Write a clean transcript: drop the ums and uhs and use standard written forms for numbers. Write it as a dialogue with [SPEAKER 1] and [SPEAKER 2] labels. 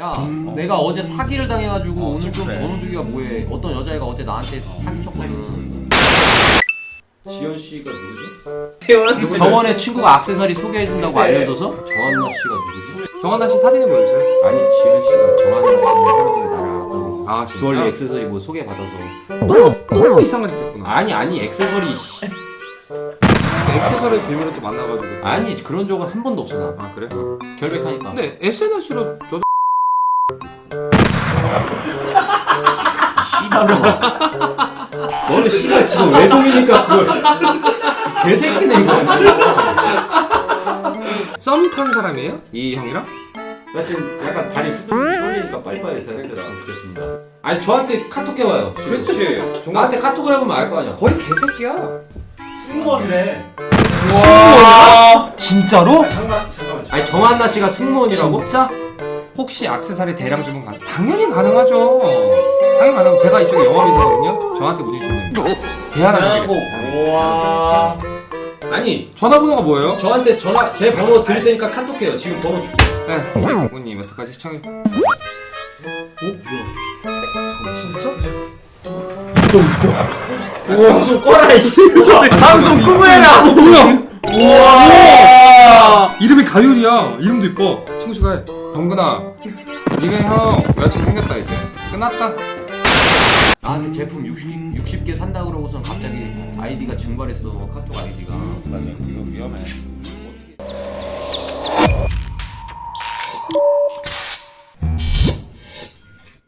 [SPEAKER 1] 야, 내가 어제 사기를 당해가지고 오늘 좀 번호주기가 뭐해? 어떤 여자애가 어제 나한테 사기 쳤거든. 지현 씨가 누구지? 저번에 친구가 액세서리 소개해준다고 알려줘서 정한나 씨가 누구지?
[SPEAKER 2] 정한나 씨 사진을 보여주세요.
[SPEAKER 1] 아니 지현 씨가 정한나 씨는 사람들이 나를 알고
[SPEAKER 2] 아 진짜?
[SPEAKER 1] 주얼리 액세서리 뭐 소개받아서
[SPEAKER 2] 너무 이상한 짓 했구나.
[SPEAKER 1] 아니 액세서리 씨.
[SPEAKER 2] 액세서리 비밀로 또 만나가지고.
[SPEAKER 1] 아니 그런 적은 한 번도 없어 나.
[SPEAKER 2] 아 그래?
[SPEAKER 1] 결백하니까.
[SPEAKER 2] 근데 SNS로 저
[SPEAKER 1] 씨발로 너는 씨발 지금 외동이니까 그걸 개새끼네 이거.
[SPEAKER 2] 썸 탄 사람이에요? 이 형이랑?
[SPEAKER 1] 나 지금 약간 다리 후들 쫄리니까 빨리빨리 대답했으면 좋겠습니다. 아니 저한테 카톡 해와요.
[SPEAKER 2] 그렇지.
[SPEAKER 1] 나한테 카톡을 해보면 알 거 아니야.
[SPEAKER 2] 거의 개새끼야.
[SPEAKER 3] 승무원이래.
[SPEAKER 1] 와 진짜로?
[SPEAKER 3] 잠깐만.
[SPEAKER 1] 아니 정한나 씨가 승무원이라고?
[SPEAKER 2] 진짜? 혹시 액세서리 대량 주문 가능? 당연히 가능하죠. 당연히 가능하고 제가 이쪽에 영업이사거든요. 저한테 문의 주시면 대안하면 되겠다.
[SPEAKER 3] 와.
[SPEAKER 1] 아니
[SPEAKER 2] 전화번호가 뭐예요?
[SPEAKER 1] 저한테 전화 제 번호 드릴 테니까 카톡해요. 지금 번호 줄게.
[SPEAKER 2] 네. 부모님 여태까지 시청해.
[SPEAKER 1] 방송 꺼라 이씨. 방송 끄고 해라.
[SPEAKER 2] 뭐야?
[SPEAKER 1] 우와.
[SPEAKER 2] 이름이 가율이야. 이름도 이뻐. 친구 추가해. 정근아, 네가 형 여자친구 생겼다 이제. 끝났다.
[SPEAKER 1] 나한테 제품 60개 산다 그러고선 갑자기 아이디가 증발했어. 카톡 아이디가.
[SPEAKER 3] 맞아. 이거 위험해.